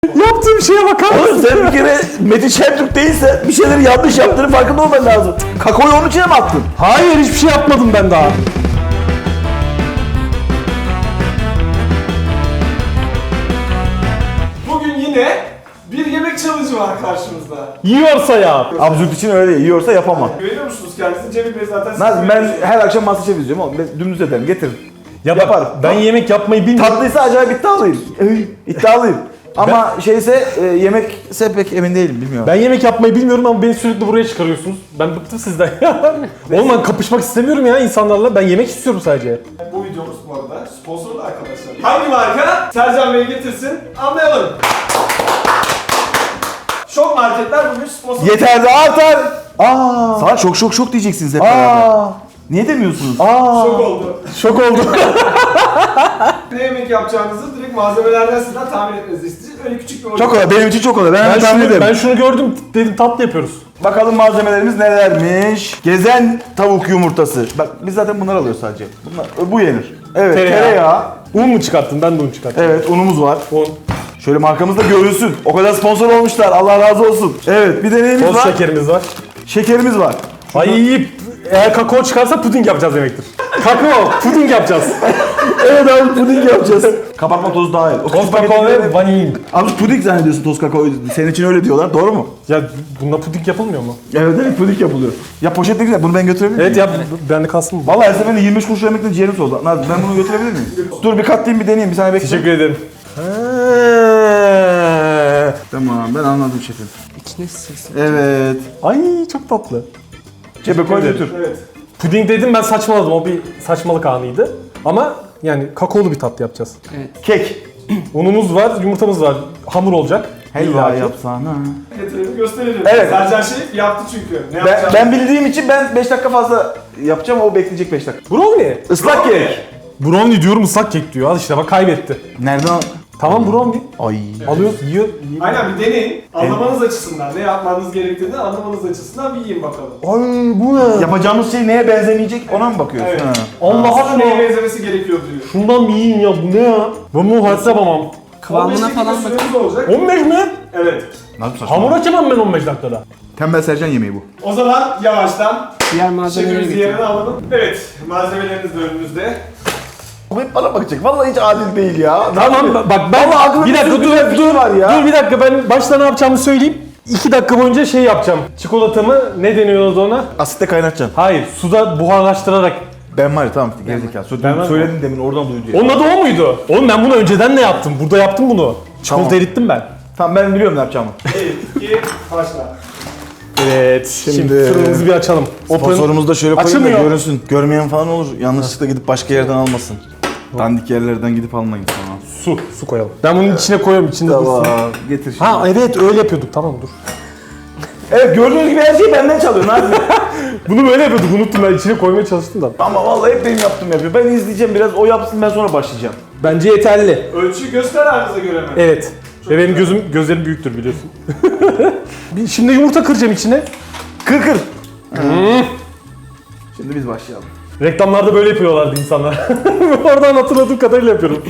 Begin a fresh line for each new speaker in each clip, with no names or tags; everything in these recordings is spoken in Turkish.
Yaptığım şeye bakar mısın?
Oğlum sen bir kere Metin Şentürk değilse bir şeyleri yanlış yaptığını farkında olman lazım. Kakaoyu onun içine mi attın?
Hayır, hiçbir şey yapmadım ben daha.
Bugün yine bir yemek challenge'ı var karşımızda.
Yiyorsa yap.
Absürt için öyle değil. Yiyorsa yapamam.
Güveniyor musunuz kendinize? Cemil Bey zaten
Ben her akşam MasterChef izliyorum oğlum. Ben dümdüz ederim. Getirin.
Ya
Yaparım.
ben yemek yapmayı bilmiyorum.
Tatlıysa acayip iddialıyım. İddialıyım. Ama yemekse pek emin değilim. Bilmiyorum.
Ben yemek yapmayı bilmiyorum ama beni sürekli buraya çıkarıyorsunuz. Ben bıktım sizden ya. Oğlum ben kapışmak istemiyorum ya insanlarla. Ben yemek istiyorum sadece.
Bu videomuz bu arada sponsorlu arkadaşlar. Hangi marka? Sercan Bey getirsin, anlayalım. Şok marketler bugün sponsor.
Yeter de artar. Sana şok diyeceksiniz hep beraber. Niye demiyorsunuz?
Şok oldu.
Şok oldum.
Ne yemek yapacağınızı direkt malzemelerden sizden tahmin etmenizi isteyeceğiz. Öyle küçük bir oyun.
Çok kolay. Benim için çok kolay. Ben tahmin ederim.
Ben şunu gördüm dedim tatlı yapıyoruz.
Bakalım malzemelerimiz nelermiş? Gezen tavuk yumurtası. Bak biz zaten bunları alıyoruz sadece. Bu yenir. Evet, tereyağı.
Un mu çıkarttın? Ben de un çıkarttım.
Evet, unumuz var.
Un.
Şöyle markamız da görünsün. O kadar sponsor olmuşlar. Allah razı olsun. Evet, bir de neyimiz
Toz
var?
şekerimiz var.
Şekerimiz var.
Ay, eğer kakao çıkarsa puding yapacağız demektir. Kakao, puding yapacağız.
Evet abi, puding yapacağız. Kabartma tozu dahil. O
Toz kakao ve vanilin.
Abi puding zannediyorsun toz kakao. Senin için öyle diyorlar. Doğru mu?
Ya bununla puding yapılmıyor mu?
Evet, puding yapılıyor. Ya poşet ne güzel. Bunu ben götürebilir miyim?
Evet ya bende kalsın mı?
Vallahi her seferinde 25 kuruş yemekten ciğerim soğudu. Nazım, ben bunu götürebilir miyim? Dur bir katlayayım, bir deneyeyim. Bir saniye bekle.
Teşekkür ederim.
Tamam, ben anladım şefim.
İçine sığsın.
Evet.
Ay çok tatlı.
Cebe koy
Evet.
götür.
Evet.
Puding dedim ben saçmaladım. O bir saçmalık anıydı. Ama yani kakaolu bir tatlı yapacağız.
Kek.
Unumuz var, yumurtamız var. Hamur olacak.
Helva
İlla ki.
yapsana.
Getirelim gösterelim.
Evet.
Sercan Şerif yaptı çünkü. Ne
Ben,
yapacağını.
ben bildiğim için ben 5 dakika fazla yapacağım, o bekleyecek 5 dakika.
Brownie.
Islak kek.
Brownie diyorum ıslak kek diyor. Al işte bak kaybetti.
Nereden?
Tamam brownie.
Ay.
Alıyoruz, yiyor.
Aynen bir deneyin. Anlamanız açısından, ne yapmanız gerektiğini anlamanız açısından bir yiyin bakalım.
Ay bu ne?
Yapacağımız şey neye benzemeyecek, ona mı bakıyorsun?
Evet.
Ha.
Allah
Aslında neye
aşkına.
benzemesi gerekiyor diyor.
Şundan bir yiyin ya bu ne ya? Ben bunu hayatta yapamam.
Kıvamına
15 dakika
falan bak.
süremiz olacak.
15 mi?
Evet.
Nasıl saçma?
Hamur açamam ben 15 dakikada.
Tembel Sercan yemeği bu.
O zaman yavaştan
Diğer malzemeleri
şefimizi
getir.
yerine alalım. Evet, malzemeleriniz de önünüzde.
O hep bana bakacak. Vallahi hiç adil değil ya.
Tamam bak ben
Vallahi aklımda
bir dakika
bir
dur
sürü fikir var ya.
Dur bir dakika ben başta ne yapacağımı söyleyeyim. 2 dakika boyunca şey yapacağım. Çikolatamı ne deniyordu ona?
Asitte kaynatacaksın.
Hayır suda buharlaştırarak.
Ben var ya, tamam gerizekalı.
Ben var
Söyledim demin, oradan duydu ya.
Onun adı o muydu? Oğlum ben bunu önceden de yaptım. Burada yaptım bunu. Çikolata
Tamam.
erittim ben.
Tamam, ben biliyorum ne yapacağımı.
1, 2, başla.
Evet. Şimdi fırınımızı bir açalım.
Sponsorumuzu da şöyle koyayım da
Açılmıyor.
görünsün. Görmeyen falan olur. Yanlışlıkla gidip başka yerden almasın. Dandik yerlerden gidip almayın falan.
Su koyalım. Ben bunun içine koyuyorum içinde dursun.
Getir şimdi.
Ha evet öyle yapıyorduk tamam dur.
Evet, gördüğünüz gibi her şeyi benden çalıyorsun abi.
Bunu böyle yapıyorduk unuttum ben içine koymaya çalıştım da.
Ama vallahi hep benim yaptığım yapıyor. Ben izleyeceğim biraz, o yapsın, ben sonra başlayacağım.
Bence yeterli.
Ölçüyü göz kararınıza göre mi?
Evet. Ve benim gözlerim büyüktür biliyorsun. Şimdi yumurta kıracağım içine.
Kır. Şimdi biz başlayalım.
Reklamlarda böyle yapıyorlardı insanlar. Oradan hatırladığım kadarıyla yapıyorum.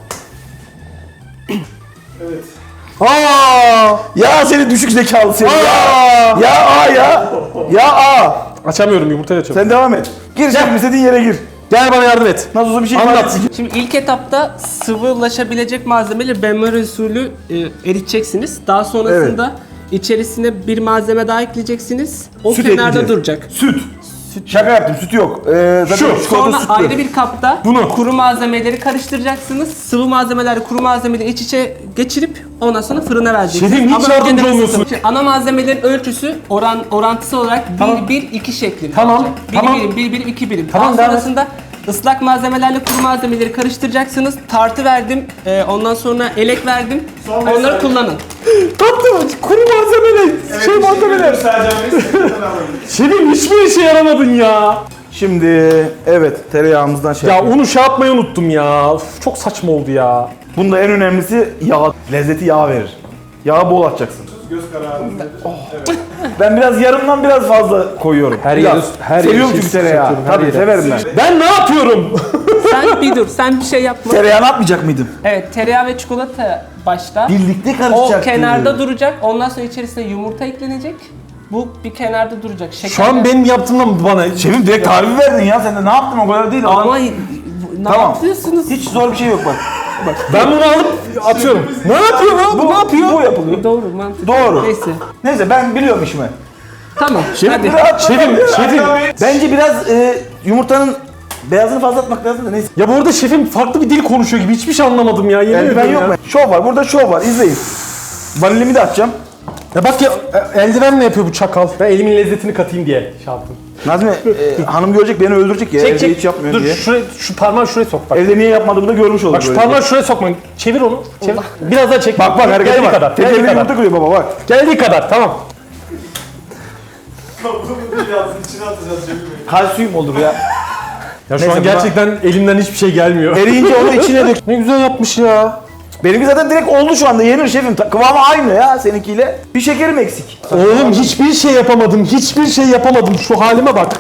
Evet.
Aa!
Ya seni düşük zekalı seni ya. Ya
Açamıyorum yumurtayı açamıyorum.
Sen devam et. Gir şimdi, istediğin yere gir.
Gel bana yardım et.
Nasıl olsa bir şey
Anlat.
Şimdi ilk etapta sıvılaşabilecek malzemeleri benmari usulü eriteceksiniz. Daha sonrasında içerisine bir malzeme daha ekleyeceksiniz. O
Süt
kenarda
ekleyeceğiz.
duracak.
Süt. Şaka yaptım, süt yok. Zaten çikolata
Sonra
sütlü.
ayrı bir kapta
Bunu.
kuru malzemeleri karıştıracaksınız. Sıvı malzemeleri kuru malzemeleri iç içe geçirip ondan sonra fırına vereceksiniz.
Şefim, hiç
Ama
yardımcı
önceden
olmuyorsun.
ısıtın. Ana malzemelerin ölçüsü orantısı olarak 1-1-2 şeklinde.
Tamam,
olacak. 1
tamam.
birim, 1 birim, 2 birim.
Tamam,
Daha
devam et.
sonrasında ıslak malzemelerle kuru malzemeleri karıştıracaksınız. Tartı verdim. Ondan sonra elek verdim.
Son
Onları
mesaj.
kullanın.
Tatlı kuru malzemeler.
Evet,
şey malzemeler.
Sercan Bey, sizden alalım.
Şefim hiçbir işe yaramadın ya.
Şimdi evet, tereyağımızdan şey
Ya
yapalım.
onu şey yapmayı unuttum ya. Uf, çok saçma oldu ya.
Bunda en önemlisi yağ. Lezzeti yağ verir. Yağı bol atacaksın.
Göz kararınızda. Evet.
Ben biraz yarımdan biraz fazla koyuyorum.
Her
Biraz.
yeri- her yeri
Seviyorum
şey
çünkü tereyağı.
sıkıyorum, her
Tabii
yere.
severim ben.
Ben ne yapıyorum?
Sen bir dur, sen bir şey yapma.
Tereyağını atmayacak mıydım?
Evet, tereyağı ve çikolata başta.
Birlikte
O
karışacaktı.
kenarda duracak. Ondan sonra içerisine yumurta eklenecek. Bu bir kenarda duracak.
Şu an benim yaptığımdan bana...
Şefim direkt tarifi verdin ya. Sen de ne yaptın, o kadar değil.
Ama ne
Tamam.
yapıyorsunuz?
Hiç zor bir şey yok bak.
Ben bunu alıp atıyorum. Ne yapıyor lan? Bu ne yapıyor?
Bu yapılıyor.
Doğru, mantıklı.
Doğru.
Neyse.
Neyse ben biliyorum işimi.
Tamam. Hadi.
Şefim.
Bence biraz yumurtanın beyazını fazla atmak lazım da neyse.
Ya bu arada şefim farklı bir dil konuşuyor gibi. Hiçbir şey anlamadım ya. Yemin
Eldiven
ederim
yok
ya.
mu? Şov var. Burada şov var. İzleyin. Vanilimi de atacağım.
Ya bak ya eldiven ne yapıyor bu çakal? Ben elimin lezzetini katayım diye şey yaptım.
Nazmi hanım görecek, beni öldürecek ya. Evde hiç yapmıyor
Dur
diye.
şu parmağı şuraya sok bak.
Evde niye yapmadığımı da görmüş olur.
Bak şu
böyle.
parmağı şuraya sokma. Çevir onu. Çevir. Biraz daha çek.
Bak harekete
Geldiği
bak.
kadar.
Tek
Geldiği
elini
kadar.
yumurta kırıyor baba bak.
Geldiği kadar. Tamam.
Bunu biraz içine atacağız Cemil Bey.
Kalsiyum olur ya.
Ya şu
Neyse,
an gerçekten elimden hiçbir şey gelmiyor.
Eriyince onu içine dök.
Ne güzel yapmış ya.
Benimki zaten direkt oldu şu anda. Yenir şefim. Kıvamı aynı ya seninkiyle. Bir şekerim eksik.
Oğlum hiçbir şey yapamadım. Hiçbir şey yapamadım. Şu halime bak.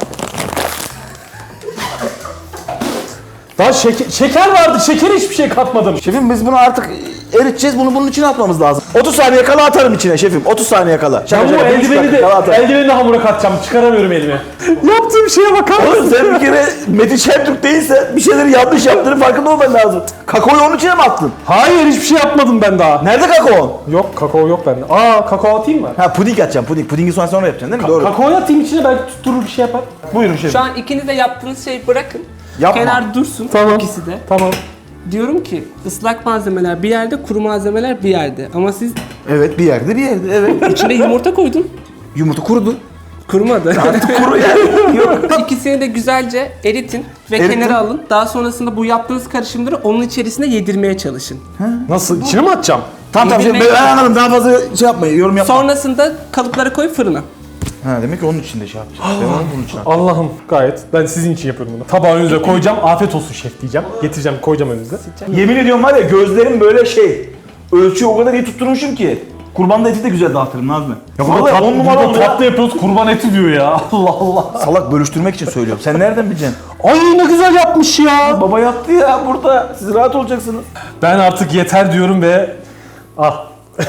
Daha şeker vardı. Şekere hiçbir şey katmadım.
Şefim biz bunu artık eriteceğiz. Bunu bunun içine atmamız lazım. 30 saniye kala atarım içine şefim. 30 saniye kala.
Ben bu
bir buçuk dakika kala atarım.
eldiveni de hamura katacağım. Çıkaramıyorum elimi. Yaptığım şeye bakar
Oğlum
mısın?
sen bir kere Metin Şentürk değilse bir şeyleri yanlış yaptığını farkında olman lazım. Kakaoyu onun içine mi attın?
Hayır hiçbir şey yapmadım ben daha.
Nerede kakao?
Yok kakao yok bende. Aa kakao atayım mı?
Ha puding atacağım puding. Pudingi sonra yapacaksın değil mi? Doğru.
Kakaoyu atayım içine belki tutturur bir şey yapar.
Buyurun şefim.
Şu an ikiniz de yaptığınız şeyi bırakın.
Yapma.
Kenar dursun.
Tamam.
İkisi de.
Tamam.
Diyorum ki ıslak malzemeler bir yerde, kuru malzemeler bir yerde. Ama siz
Evet bir yerde evet.
içine yumurta koydun.
Yumurta kurudu.
Kurumadı.
Kuru yani. Yok.
İkisini de güzelce eritin ve
Eritin.
kenara alın. Daha sonrasında bu yaptığınız karışımları onun içerisine yedirmeye çalışın.
Nasıl? İçine mi atacağım?
Tamam tamam
Yedirmeye
ben anladım. Daha fazla şey yapmayın. Yorum yapma.
Sonrasında kalıplara koy fırına.
Ha demek ki onun içinde şey yapacağız. Ben onun bunun için
Allah'ım gayet. Ben sizin için yapıyorum bunu. Tabağı önünüze koyacağım. Afiyet olsun şef diyeceğim. Getireceğim koyacağım önünüze.
Yemin ediyorum var ya gözlerim böyle şey. Ölçüyü o kadar iyi tutturmuşum ki. Kurban da eti de güzel dağıtırım Nazmi. Ya
Burada
10 numara oldu ya.
tatlı yapıyoruz kurban eti diyor ya. Allah Allah.
Salak bölüştürmek için söylüyorum. Sen nereden bileceksin?
Ay ne güzel yapmış ya.
Baba yattı ya burada. Siz rahat olacaksınız.
Ben artık yeter diyorum ve ah.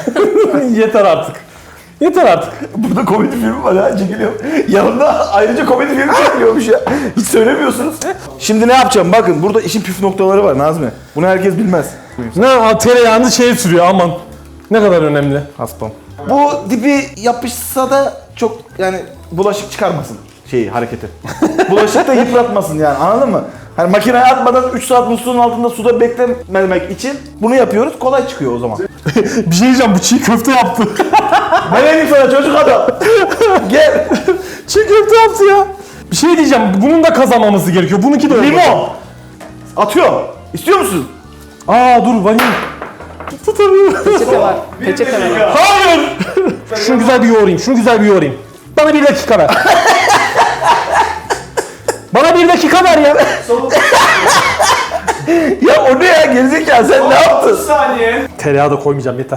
Yeter artık. Yeter artık.
Burada komedi filmi var ha çekiliyor. Yanında ayrıca komedi filmi çekiliyormuş ya. Hiç söylemiyorsunuz. Şimdi ne yapacağım? Bakın burada işin püf noktaları var Nazmi. Bunu herkes bilmez.
Ne tereyağını şeye sürüyor aman. Ne kadar önemli.
Haspam. Bu dibi yapışsa da çok yani bulaşık çıkarmasın hareketi. Bulaşık da yıpratmasın yani anladın mı? Hani makineye atmadan 3 saat musluğun altında suda beklememek için bunu yapıyoruz. Kolay çıkıyor o zaman.
Bir şey diyeceğim bu çiğ köfte yaptı.
Ben dedim sana çocuk adam. Gel.
Çiğ köfte yaptı ya. Bir şey diyeceğim bunun da kazanmaması gerekiyor. Bununki de öyle.
Limon. Atıyorum. İstiyor musun?
Aa dur vanil. Tutamıyorum.
Peçete var. Peçete var.
Hayır. Şunu güzel bir yoğurayım. Şunu güzel bir yoğurayım. Bana 1 dakika ver. Bana 1 dakika ver ya.
Ya o ne ya gerizekalı sen ne yaptın?
30 saniye.
Tereyağı da koymayacağım yeter.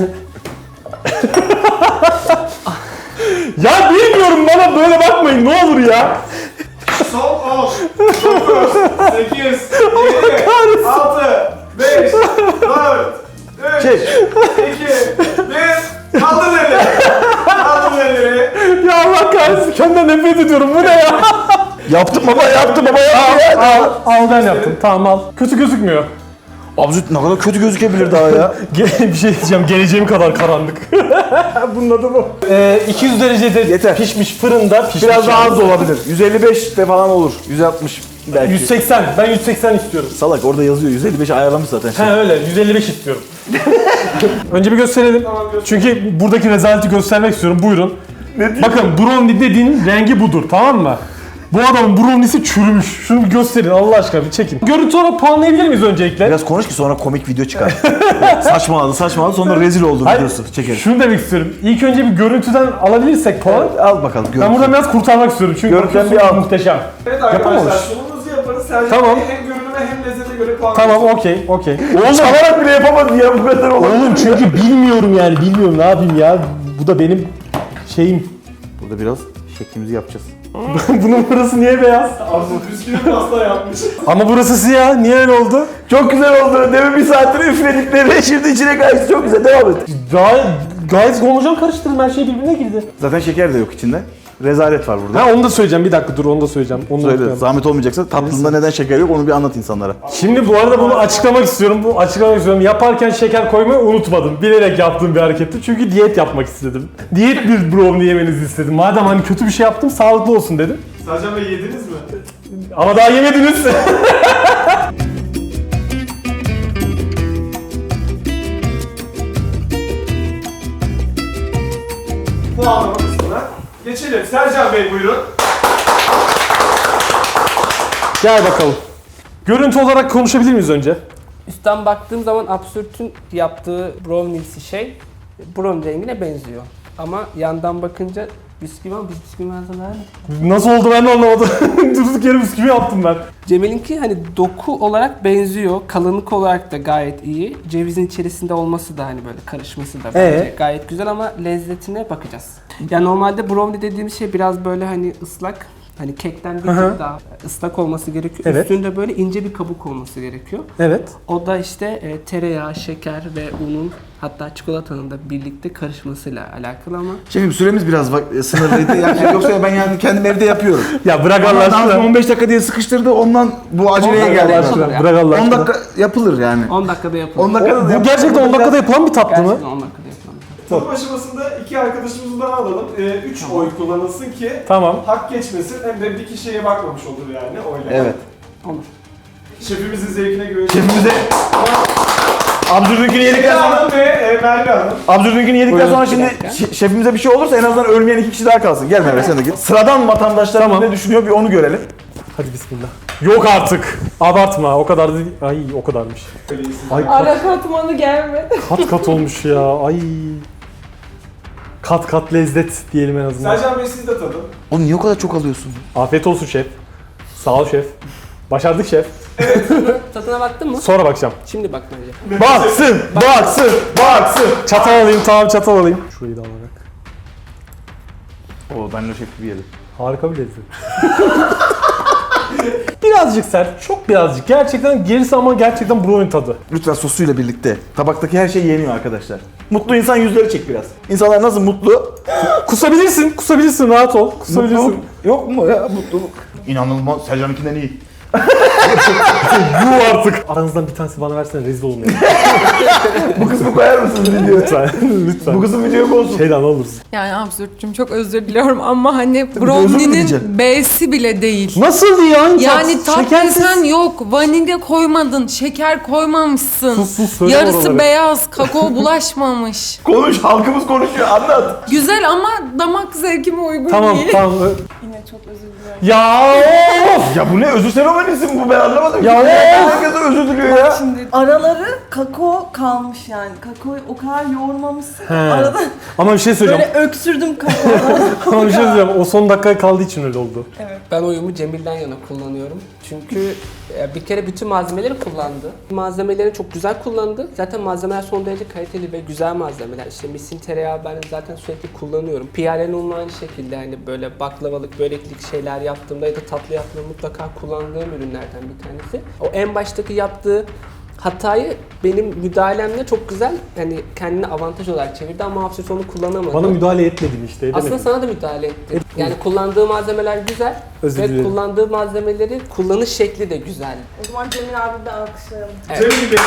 Ya bilmiyorum bana böyle bakmayın ne olur ya.
Son 10, 9, 8, 7, 6, 5, 4, 3,
Çek.
2, 1. Kaldır elleri. Kaldır elleri.
Ya Allah kahretsin kendimden nefret ediyorum bu ne ya?
Yaptım baba yaptım baba yaptım ya.
Al ben yaptım tamam al. Kötü gözükmüyor.
Abzut ne kadar kötü gözükebilir daha ya.
Bir şey diyeceğim geleceğim kadar karanlık. Bunun adı bu. 200 derecede
Yeter.
pişmiş fırında pişmiş.
Biraz daha
yani.
az da olabilir. 155 de falan olur. 160 belki.
180 ben 180 istiyorum.
Salak orada yazıyor 155 ayarlamış zaten.
He öyle 155 istiyorum. Önce bir gösterelim. Çünkü buradaki rezaleti göstermek istiyorum. Buyurun. Bakın brownie dediğin rengi budur tamam mı? Bu adamın brownie'si çürümüş. Şunu bir gösterin Allah aşkına bir çekin. Görüntü olarak puanlayabilir miyiz öncelikle?
Biraz konuş ki sonra komik video çıkar. saçmaladı sonra rezil oldu
Hayır,
videosu çekeriz.
şunu demek istiyorum. İlk önce bir görüntüden alabilirsek puan.
Al bakalım görüntü.
Ben buradan biraz kurtarmak istiyorum çünkü
Görüntüden
bakıyorsun
bir al.
muhteşem.
Evet
Yapamamış.
arkadaşlar sunumunuzu yaparız. Sercan
Tamam.
Bey hem görünüme hem lezzete göre puan
Tamam okey.
Oğlum çalarak bile yapamadın ya bu kadar olur.
Oğlum çünkü bilmiyorum yani bilmiyorum ne yapayım ya. Bu da benim şeyim.
Burada biraz şeklimizi yapacağız.
Bunun burası niye beyaz?
Absürt bisküvi pasta yapmış.
Ama burası siyah. Niye öyle oldu?
Çok güzel oldu. Demin bir saattir üfledikleri şimdi içine kaçtı. Çok güzel. Devam et.
Gayet homojen karıştırdım. Her şey birbirine girdi.
Zaten şeker de yok içinde. Rezalet var burada.
Ha onu da söyleyeceğim. Bir dakika dur onu da söyleyeceğim. Onu da
Söyle.
unutmayalım.
Zahmet olmayacaksa tatlında neden şeker yok onu bir anlat insanlara.
Şimdi bu arada bunu açıklamak istiyorum. Yaparken şeker koymayı unutmadım. Bilerek yaptığım bir hareketti. Çünkü diyet yapmak istedim. Diyet bir brownie yemenizi istedim. Madem hani kötü bir şey yaptım sağlıklı olsun dedim.
Sercan Bey yediniz mi?
Ama daha yemediniz.
Puanlama kısmına geçelim. Sercan Bey buyurun.
Gel bakalım. Görüntü olarak konuşabilir miyiz önce?
Üstten baktığım zaman Absürt'ün yaptığı brownie'si şey brownie rengine benziyor. Ama yandan bakınca bisküvi ama biz bisküvi malzemeler
Nasıl oldu ben de anlamadım. Durduk yere bisküvi yaptım ben.
Cemil'inki hani doku olarak benziyor, kalınlık olarak da gayet iyi. Cevizin içerisinde olması da hani böyle karışması da bence gayet güzel ama lezzetine bakacağız. Yani normalde brownie dediğimiz şey biraz böyle hani ıslak, hani kekten bir tık daha ıslak olması gerekiyor.
Evet.
Üstünde böyle ince bir kabuk olması gerekiyor.
Evet.
O da işte tereyağı, şeker ve unun hatta çikolatanın da birlikte karışmasıyla alakalı ama
Şefim süremiz biraz sınırlıydı. Yani yoksa ben yani kendim evde yapıyorum.
Ya bırak
Ama
Allah
Nazım
aşkına.
15 dakika diye sıkıştırdı ondan bu aceleye
Allah
geldi.
aşkına,
bana.
Bırak Allah
10
aşkına.
dakika yapılır yani.
10 dakikada yapılır.
10 dakikada da
Bu
yapılır.
gerçekten 10 dakikada yapılan bir tatlı mı?
Gerçekten 10 dakikada yapılır.
Tadım aşamasında iki arkadaşımızdan alalım. 3 oy kullanılsın ki
Tamam.
hak geçmesin hem de bir kişiye bakmamış olur yani oyla.
Evet.
Olur.
Şefimizin zevkine göre.
Şefimize Abdülünkünü yedikten
Eda
sonra
Hanım ve Merve Hanım.
Abdülünkünü yedikten sonra
Bir
şimdi
dakika.
şefimize bir şey olursa en azından ölmeyen 2 kişi daha kalsın. Gel Merve sen de git. Sıradan vatandaşlar
Tamam.
ne düşünüyor bir onu görelim.
Hadi bismillah. Yok artık. Abartma. O kadar da değil. Ay o kadarmış. Ay
Ara katmanı gelmedi.
kat kat olmuş ya. Ay. Kat kat lezzet diyelim en azından.
Sercan Bey siz de tadın.
Oğlum niye o kadar çok alıyorsun?
Afiyet olsun şef. Sağ ol şef. Başardık şef.
Tadına baktın mı?
Sonra bakacağım.
Şimdi bak bence.
Baksın, baksın, baksın. Çatal alayım, tamam çatal alayım. Şurayı da alarak.
Oo ben de şef gibi yedim.
Harika bir lezzet. Birazcık sert, çok birazcık. Gerçekten gerisi ama gerçekten brownie tadı.
Lütfen sosuyla birlikte. Tabaktaki her şey yeniyor arkadaşlar. Mutlu insan yüzleri çek biraz. İnsanlar nasıl mutlu?
Kusabilirsin, rahat ol. Kusabilirsin.
Mutluluk yok mu ya mutluluk? İnanılmaz. Sercan'ınkinden iyi.
Yuh artık. Aranızdan bir tanesi bana versene rezil olmayalım.
Bu kısmı koyar mısınız videoya?
Lütfen, lütfen.
Bu kısım videoya konsun.
Şeyden olursun.
Yani absürtçüm çok özür diliyorum ama hani
özür mü diyeceksin?
brownie'nin B'si bile değil.
Nasıl ya?
Yani tat
Şekersiz.
desen yok, vanilya koymadın, şeker koymamışsın.
Sus, söyle
Yarısı
oraları.
beyaz, kakao bulaşmamış.
Konuş, halkımız konuşuyor, anlat.
Güzel ama damak zevkime uygun
Tamam,
değil.
tamam.
Yine çok özür dilerim.
Ya of!
Ya bu ne? Özür seremonisi mi bu? Ben anlamadım.
Ya
Herkes özür diliyor ya.
Şimdi araları kakao kalmış yani. Kakaoyu o kadar yoğurmamışsın.
He.
Arada
Ama bir şey söyleyeceğim.
böyle öksürdüm kakaodan.
Ama bir şey söyleyeceğim. O son dakikaya kaldığı için öyle oldu.
Ben oyumu Cemil'den yana kullanıyorum. Çünkü bir kere bütün malzemeleri kullandı. Malzemeleri çok güzel kullandı. Zaten malzemeler son derece kaliteli ve güzel malzemeler. İşte misin tereyağı ben zaten sürekli kullanıyorum. Piyalen unla aynı şekilde hani böyle baklavalık, böreklik şeyler yaptığımda ya da tatlı yaptığımda mutlaka kullandığım ürünlerden bir tanesi. O en baştaki yaptığı hatayı benim müdahalemle çok güzel hani kendine avantaj olarak çevirdi ama Absürt onu kullanamadı.
Bana müdahale etmedin işte.
Aslında
Edemedim.
sana da müdahale etti. Yani kullandığı malzemeler güzel
Özür
ve
dilerim.
kullandığı malzemeleri kullanış şekli de güzel.
O zaman Cemil abi de alkışlayalım.
Evet.
Cemil Bey'e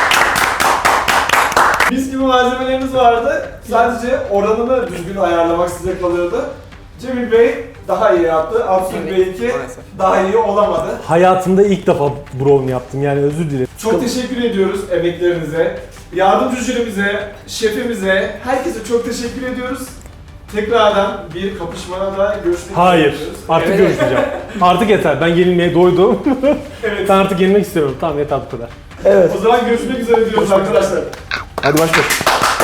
mis gibi malzemelerimiz vardı. Sadece oranını düzgün ayarlamak size kalıyordu. Cemil Bey daha iyi yaptı. Absürt
Evet,
Bey'inki
maalesef.
daha iyi olamadı.
Hayatımda ilk defa brownie yaptım yani özür dilerim.
Çok teşekkür ediyoruz emeklerinize, yardımcı jürimize, şefimize, herkese çok teşekkür ediyoruz. Tekrardan bir kapışmada da görüşmek
Hayır.
üzere diyoruz.
Artık
Evet.
görüşmeyeceğim. Artık yeter. Ben yenilmeye doydum.
Evet.
Ben artık yenilmek istemiyorum. Tamam yeter bu kadar.
Evet.
O zaman görüşmek üzere diyoruz arkadaşlar.
Hadi başla.